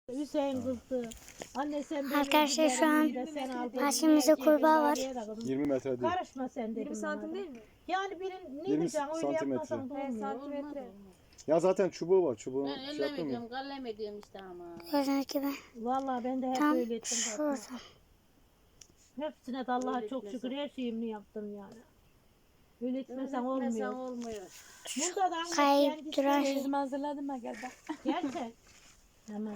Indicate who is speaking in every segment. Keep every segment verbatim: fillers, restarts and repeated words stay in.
Speaker 1: Hüseyin kızdı. Anne sen de
Speaker 2: Arkadaşlar şu an karşımızda kurbağa var.
Speaker 3: yirmi metre değil.
Speaker 1: Karışma sen dedim.
Speaker 4: yirmi santim değil mi?
Speaker 1: Yani birin ne
Speaker 3: yirmi
Speaker 1: diyeceksin öyle
Speaker 3: santimetre.
Speaker 1: yapmasan da
Speaker 4: Evet,
Speaker 1: olmuyor.
Speaker 4: santimetre.
Speaker 3: Ya zaten çubuğu var. Çubuğun
Speaker 5: Ben
Speaker 3: şey
Speaker 5: ellem
Speaker 3: yapmıyor.
Speaker 5: ediyorum, kallem ediyorum işte ama.
Speaker 2: Gördüğünüz gibi
Speaker 1: Vallahi ben de hep
Speaker 2: tam
Speaker 1: öyle ettim. zaten.
Speaker 2: şurada.
Speaker 1: Hepsine de Allah'a
Speaker 5: Öyle
Speaker 1: çok
Speaker 5: etmesen.
Speaker 1: şükür her şeyimi yaptım yani. Öyle etmesen
Speaker 5: Mesela
Speaker 1: olmuyor.
Speaker 5: olmuyor.
Speaker 1: Burada da anne
Speaker 2: Kayıp
Speaker 1: kendisi
Speaker 2: duran
Speaker 1: de-
Speaker 2: şey.
Speaker 4: Teyzemi hazırladım ben gel bak.
Speaker 1: Gerçek. Hemen.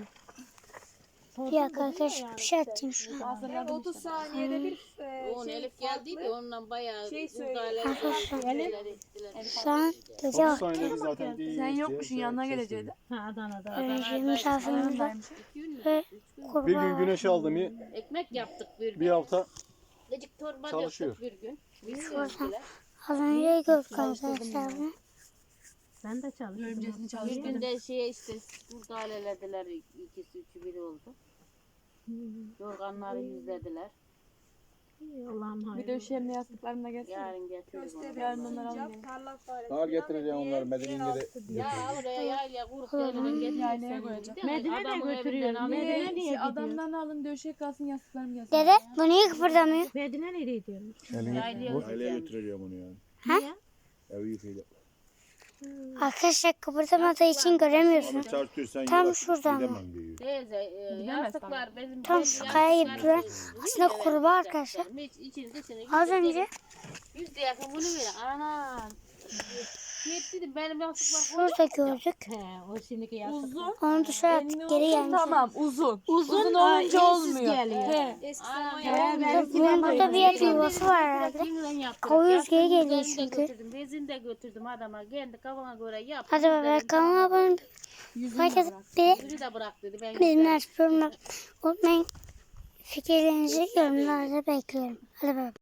Speaker 2: Bir dakika arkadaşlar bir şey atayım şu an.
Speaker 4: Hazırladım otuz saniyede bir e,
Speaker 5: Onun
Speaker 4: şey
Speaker 5: Elif geldiydi
Speaker 4: farklı.
Speaker 5: ondan bayağı
Speaker 4: şey
Speaker 5: müdahale
Speaker 2: Arkadaşlar,
Speaker 5: ettiler.
Speaker 2: Şu an gece
Speaker 3: otuz
Speaker 2: vakti.
Speaker 3: saniyede zaten değil.
Speaker 4: Sen
Speaker 3: diye
Speaker 4: yokmuşsun
Speaker 3: şey-
Speaker 4: yanına
Speaker 3: ses
Speaker 4: gelecekti.
Speaker 3: veriyor.
Speaker 1: Ha Adana'da.
Speaker 2: Önce misafirimiz var ve
Speaker 3: Bir
Speaker 2: kurbağa
Speaker 3: gün
Speaker 2: var.
Speaker 3: güneş aldı mı
Speaker 5: Ekmek yaptık bir gün.
Speaker 3: bir hafta
Speaker 5: Lecik torba
Speaker 3: çalışıyor.
Speaker 5: yaptık bir gün. Bir
Speaker 2: Şuradan.
Speaker 5: gün
Speaker 2: Az önce gördük arkadaşlar bunu.
Speaker 1: Ben de çalıştım.
Speaker 4: Örümcesini
Speaker 5: Bir
Speaker 4: çalıştım.
Speaker 5: gün de şeye işte müdahalelediler. İkisi üçü biri oldu. Yorganları yüzlediler.
Speaker 1: Allah'ım hayır.
Speaker 4: Bir de üşemle yastıklarımla gelsene.
Speaker 5: Yarın getiririm.
Speaker 4: Yarın onları alayım.
Speaker 3: Ağır getireceğim onlar Medine'ye de.
Speaker 5: Ya oraya yayla kurup yerine
Speaker 4: Yaylaya
Speaker 5: getirsin.
Speaker 4: koyacağım.
Speaker 1: Medine de götürüyor. Medine niye
Speaker 4: Şey,
Speaker 1: gidiyor?
Speaker 4: adamdan alın döşek kalsın yastıklarım gelsin.
Speaker 2: Dede bu niye kıpırdamıyor?
Speaker 1: Medine nereye gidiyormuş?
Speaker 5: Yaylaya
Speaker 3: Aileye götüreceğim onu yani.
Speaker 1: Niye?
Speaker 3: Evi yıkayacak.
Speaker 2: Arkadaşlar kıpırdamadığı için göremiyorsunuz.
Speaker 3: Çarptırsan
Speaker 2: Tam şuradan mı?
Speaker 3: gidemem diyor.
Speaker 5: Teyze, e, yastıklar bizim
Speaker 2: Tam şu kaya gibi duran aslında kurbağa arkadaşlar.
Speaker 5: Hiç için dışını
Speaker 2: Az
Speaker 5: yüzde-
Speaker 2: önce
Speaker 5: yüzde yakın bunu ver. Ana. Yetdi benim yastıklar
Speaker 2: şurada gördük.
Speaker 1: He, o şimdiki yastık.
Speaker 4: Uzun.
Speaker 2: Onu dışarı attık geri gelmiş.
Speaker 4: Tamam uzun.
Speaker 1: Uzun,
Speaker 4: Uzun
Speaker 1: aa,
Speaker 4: olunca
Speaker 1: ensiz
Speaker 4: olmuyor.
Speaker 1: geliyor.
Speaker 4: He.
Speaker 1: He, belki
Speaker 2: Bunun burada bir yer yuvası var herhalde. Koyuyoruz, geri geliyor çünkü.
Speaker 5: Götürdüm, bezini de götürdüm adama. Kendi kafana göre yap.
Speaker 2: Hadi baba kanalıma abone olun. Herkes bir
Speaker 5: Yüzü de bırak dedi. Ben
Speaker 2: bildirimleri açıp yorumlar unutmayın. Fikirlerinizi yorumlarda bekliyorum. Hadi baba.